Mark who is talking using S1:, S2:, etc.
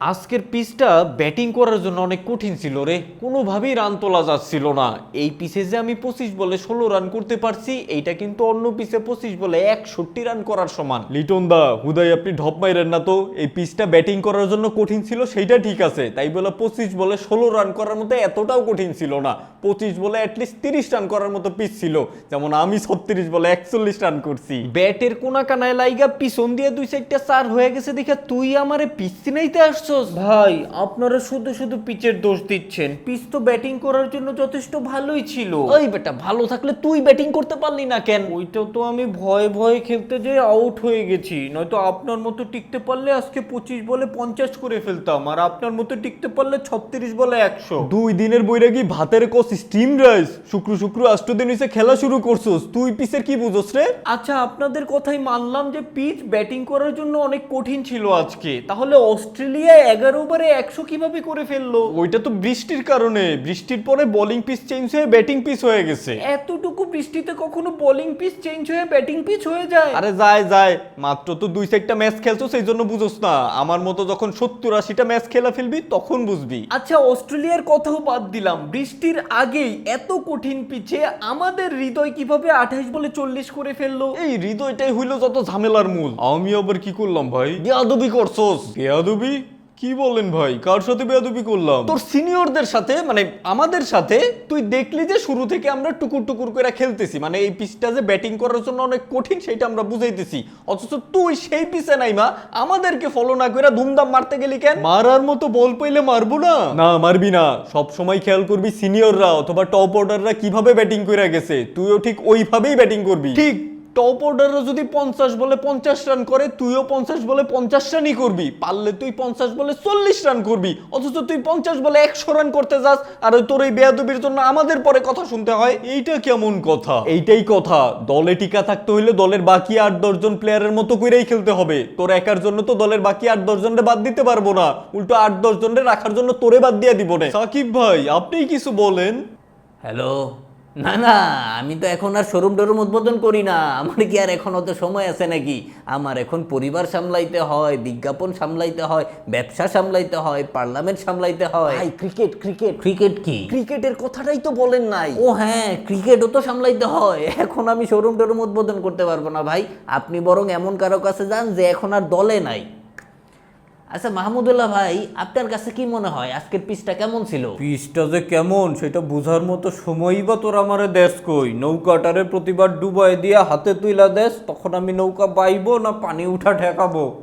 S1: আজকের পিচটা ব্যাটিং করার জন্য অনেক কঠিন ছিল রে, কোনোভাবেই রান তোলা যাচ্ছিল না। এই পিচে যে আমি 25 বলে 16 রান করতে পারছি, এইটা কিন্তু অন্য পিচে 25 বলে 61 রান করার সমান। লিটন দা, হুদাই আপনি ঢপ মাইরেন না তো। এই পিচটা ব্যাটিং করার জন্য কঠিন ছিল সেইটা ঠিক আছে, তাই বলে 25 বলে 16 রান করার মতো এতটাও কঠিন ছিল না। 25 বলে অ্যাটলিস্ট 30 রান করার মতো পিচ ছিল, যেমন আমি 36 বলে 41 রান করছি। ব্যাটের কোনা কানায় লাইগা পিছন দিয়ে 2-4টা চার হয়ে গেছে দেখে তুই আমারে পিচ চিনাইতে আসছস? ভাই, আপনারা শুধু শুধু পিচের দোষ দিচ্ছেন। পিচ তো ব্যাটিং করার জন্য যথেষ্ট ভালোই ছিল। ওই বেটা, ভালো থাকলে তুই ব্যাটিং করতে পারলি না কেন? ওইটা তো আমি ভয়ে ভয়ে খেলতে যেয়ে আউট হয়ে গেছি, নয়তো আপনার মতো টিকতে পারলে আজকে 25 বলে 50 করে ফেলতাম, আর আপনার মতো টিকতে পারলে 36 বলে 100। 2 দিনের বৈরাগী ভাতের কস স্টিম রাইস, শুক্র শুক্র 8 দিন হইছে খেলা শুরু করছস, তুই পিচের কি বুঝছস রে? আচ্ছা, আপনাদের কথাই মানলাম যে পিচ ব্যাটিং করার জন্য অনেক কঠিন ছিল আজকে, তাহলে অস্ট্রেলিয়া 11 ওভারে 100 কিভাবে করে ফেললো? ওইটা তো বৃষ্টির কারণে, বৃষ্টির পরে বোলিং পিচ চেঞ্জ হয়ে ব্যাটিং পিচ হয়ে গেছে। এতটুকু বৃষ্টিতে কখনো বোলিং পিচ চেঞ্জ হয়ে ব্যাটিং পিচ হয়ে যায়? আরে যায় যায়, মাত্র তো 2-4টা ম্যাচ খেলছো, সেই জন্য বুঝোস না। আমার মতো যখন 70-80টা ম্যাচ খেলা ফেলবি তখন বুঝবি। আচ্ছা, অস্ট্রেলিয়ার কথাও বাদ দিলাম, বৃষ্টির আগেই এত কঠিন পিচে আমাদের হৃদয় কিভাবে 28 বলে 40 করে ফেললো? এই হৃদয়টাই হইলো যত ঝামেলার মূল। আমি আবার কি করলাম ভাই? বেয়াদবি করছস। বেয়াদবি? কি বলেন ভাই, কার সাথে বেয়াদবি করলাম? তোর সিনিয়রদের সাথে, মানে আমাদের সাথে। তুই দেখলি যে শুরু থেকে আমরা টুকুর টুকুর করে খেলতেছি, মানে এই পিচটা যে ব্যাটিং করার জন্য অনেক কঠিন সেটা আমরা বুঝাইতেছি, অথচ তুই সেই পিচে নাইমা আমাদেরকে ফলো না করে ধুমধাম মারতে গেলি কেন? মারার মতো বল পাইলে মারবো না? না, মারবি না। সব সময় খেয়াল করবি সিনিয়ররা অথবা টপ অর্ডাররা কিভাবে ব্যাটিং করে গেছে, তুইও ঠিক ওইভাবেই ব্যাটিং করবি। ঠিক টপ অর্ডাররা যদি 50 বলে 50 রান করে, তুইও 50 বলে 50 রানই করবি। পারলে তুই 50 বলে 40 রান করবি, অথচ তুই 50 বলে 100 রান করতে যাস, আর তোর এই বেয়াদবির জন্য আমাদের পরে কথা শুনতে হয়। এইটা কেমন কথা? এইটাই কথা। দলে টিকা থাকতে হইলে দলের বাকি 8-10 জন প্লেয়ারের মতো করেই খেলতে হবে। তোর একার জন্য তো দলের বাকি 8-10 জনরে বাদ দিতে পারবো না, উল্টো 8-10 জনরে রাখার জন্য তোরে বাদ দিয়ে দিব না। সাকিব ভাই, আপনিই কিছু বলেন।
S2: হ্যালো। না না, আমি তো এখন আর শোরুম টোরুম উদ্বোধন করি না। আমার কি আর এখন অত সময় আছে নাকি? আমার এখন পরিবার সামলাইতে হয়, বিজ্ঞাপন সামলাইতে হয়, ব্যবসা সামলাইতে হয়, পার্লামেন্ট সামলাইতে হয়।
S1: ক্রিকেট ক্রিকেট
S2: ক্রিকেট কি?
S1: ক্রিকেটের কথাটাই তো বলেন নাই।
S2: ও হ্যাঁ, ক্রিকেটও তো সামলাইতে হয়। এখন আমি শোরুম টোরুম উদ্বোধন করতে পারবো না ভাই। আপনি বরং এমন কারো কাছে যান যে এখন আর দলে নাই। আচ্ছা মাহমুদুল্লাহ ভাই, আপনার কাছে কি মনে হয় আজকের পিচটা কেমন ছিল?
S1: পিচটা যে কেমন সেটা বুঝার মতো সময়ই বা তোর আমারে দেশ কই? নৌকাটারে প্রতিবার ডুবাই দিয়া হাতে তুইলা দেশ, তখন আমি নৌকা বাইবো না পানি উঠা ঠেকাবো?